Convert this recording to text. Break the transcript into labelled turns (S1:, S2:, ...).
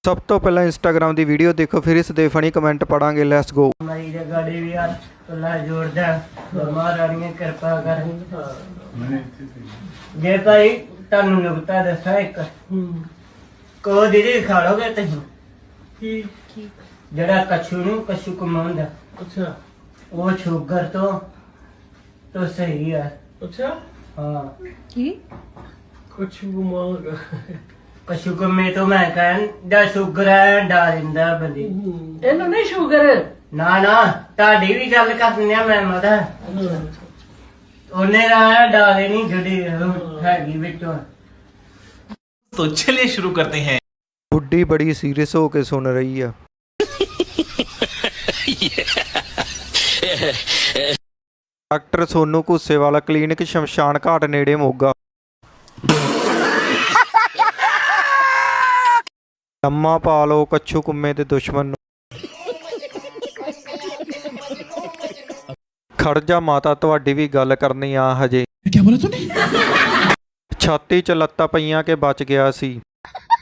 S1: ਸਭ ਤੋਂ ਪਹਿਲਾਂ ਇੰਸਟਾਗ੍ਰਾਮ ਦੀ ਵੀਡੀਓ ਦੇਖੋ, ਫਿਰ ਇਸ ਦੇ ਫਨੀ ਕਮੈਂਟ ਪੜਾਂਗੇ। Let's go.
S2: ਮਾਈ ਦੇ ਗਾੜੀ ਵੀ ਯਾਰ ਅੱਲਾ ਜੋੜਦਾ ਮਹਾਰਾਣੀ ਕਿਰਪਾ ਕਰ। ਜੇ ਭਾਈ ਤੁਹਾਨੂੰ ਨੁਕਤਾ ਦੱਸਾਂ ਇੱਕ, ਕੋ ਦੀਦੀ ਖਾ ਲੋਗੇ ਤੁਸੀਂ? ਕੀ ਜਿਹੜਾ ਕਛੂ ਕਮਾਉਂਦਾ,
S3: ਅੱਛਾ
S2: ਉਹ ਸ਼ੂਗਰ ਤੋਂ ਸਹੀ ਹੈ।
S3: ਅੱਛਾ
S2: ਹਾਂ
S4: ਕੀ
S3: ਕੁਛ ਗੁਮਾਗ
S2: ਕਛੂ ਕਮੇ ਤੋਂ ਮੈਂ ਕਹਿੰਦਾ ਸ਼ੂਗਰ ਹੈ ਡਾਲਿੰਦਾ ਬੰਦੀ।
S3: ਇਹਨੂੰ ਨਹੀਂ ਸ਼ੂਗਰ।
S2: ਨਾ ਤੁਹਾਡੀ ਵੀ ਗੱਲ ਕਰਨੀ ਆ ਮੈਂ ਮਦਾ ਉਹਨੇ ਦਾ ਡਾਲੇ ਨਹੀਂ ਜਿਹੜੀ ਹੈਗੀ ਵਿੱਚੋਂ।
S5: तो चलिए शुरू करते हैं।
S1: ਬੁੱਢੀ ਬੜੀ ਸੀਰੀਅਸ ਹੋ ਕੇ ਸੁਣ ਰਹੀ ਆ। ਡਾਕਟਰ ਸੋਨੂ ਘੁੱਸੇਵਾਲਾ ਕਲੀਨਿਕ ਸ਼ਮਸ਼ਾਨ ਘਾਟ ਨੇੜੇ ਮੋਗਾ। ਲੰਮਾ ਪਾ ਲਓ ਕੱਛੂ ਕੁੰਮੇ ਦੇ ਦੁਸ਼ਮਣ ਨੂੰ। ਖੜ ਜਾ ਮਾਤਾ, ਤੁਹਾਡੀ ਵੀ ਗੱਲ ਕਰਨੀ ਆ ਹਜੇ।
S5: क्या बोला तूने?
S1: ਛਾਤੀ 'ਚ ਲੱਤਾਂ ਪਈਆਂ ਕਿ ਬਚ ਗਿਆ ਸੀ।